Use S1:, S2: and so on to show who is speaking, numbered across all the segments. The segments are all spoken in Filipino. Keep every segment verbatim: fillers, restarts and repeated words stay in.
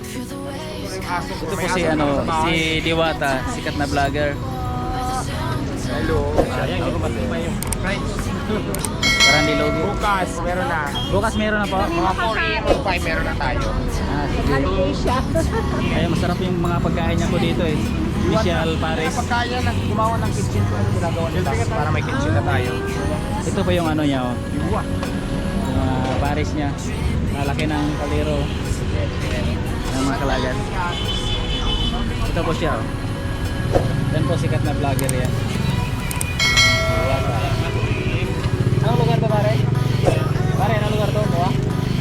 S1: Ito po si ano, si Diwata, sikat na vlogger.
S2: Hello. Ayan, hindi ko matibay yung price.
S1: Parang nilogi.
S2: Bukas, meron na.
S1: Bukas meron na po.
S2: Mga four or five meron na tayo.
S1: Ah, sige. Kaya masarap yung mga pagkain niya po dito eh. Michelle Paris.
S2: Pagkaya na gumawa ng kitchen ko, ano ginagawa nila para may kitchen na tayo.
S1: Ito po yung ano niya oh.
S2: Yung buwa.
S1: Yung uh, Paris niya. Malaki ng kaliro. Ng mga kalagan. Ito po siya oh. Yan po sikat na vlogger yan. Anong lugar to pare? Pare, anong lugar to? Buwa?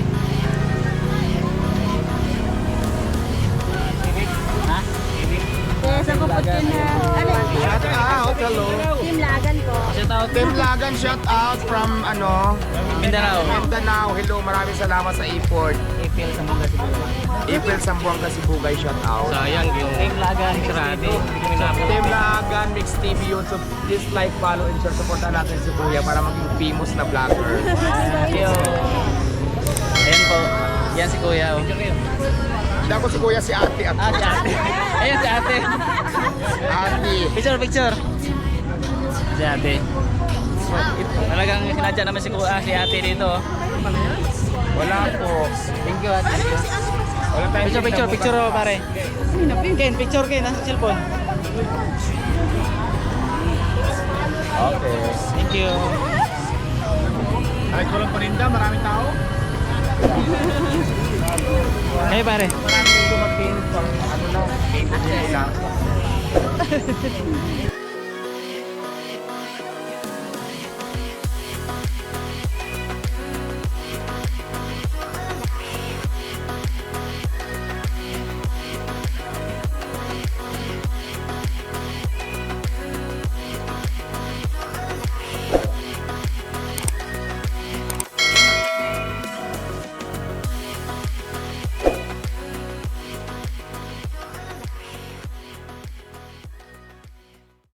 S1: Ha?
S3: Yes, ako po din na, ano,
S2: Shout out, hello.
S3: Team Lagan ko.
S1: Shout out
S2: Team Lagan, shout out from ano,
S1: Mindanao.
S2: Mindanao. Hello, maraming salamat sa effort.
S1: April sa mga Sibugay.
S2: April Sambuanga Sibugay, shout out.
S1: Sayang yung Team Lagan, grabe.
S2: Team Lagan, Mix T V yun. So please like, follow, and share. Supportan natin si Kuya para maging famous na vlogger.
S1: Yo. Ayan po. Yan si Kuya. Oh.
S2: Hindi ako si Kuya, si Ate. At
S1: Ah, si ate. Ayan si ate.
S2: Ate.
S1: Picture, picture. Si ate. Talagang sinadya naman si Kuya, si ate dito. oh.
S2: Wala po.
S1: Thank you ate.
S2: Wala tayong
S1: Picture, picture, picture oh, pare. Ken, picture Ken, nasa cellphone.
S2: Okay.
S1: Thank you.
S2: Kahit walang paninda, maraming tao.
S1: Hey pare.
S2: Maraming dumating pang ano lang, painted lang.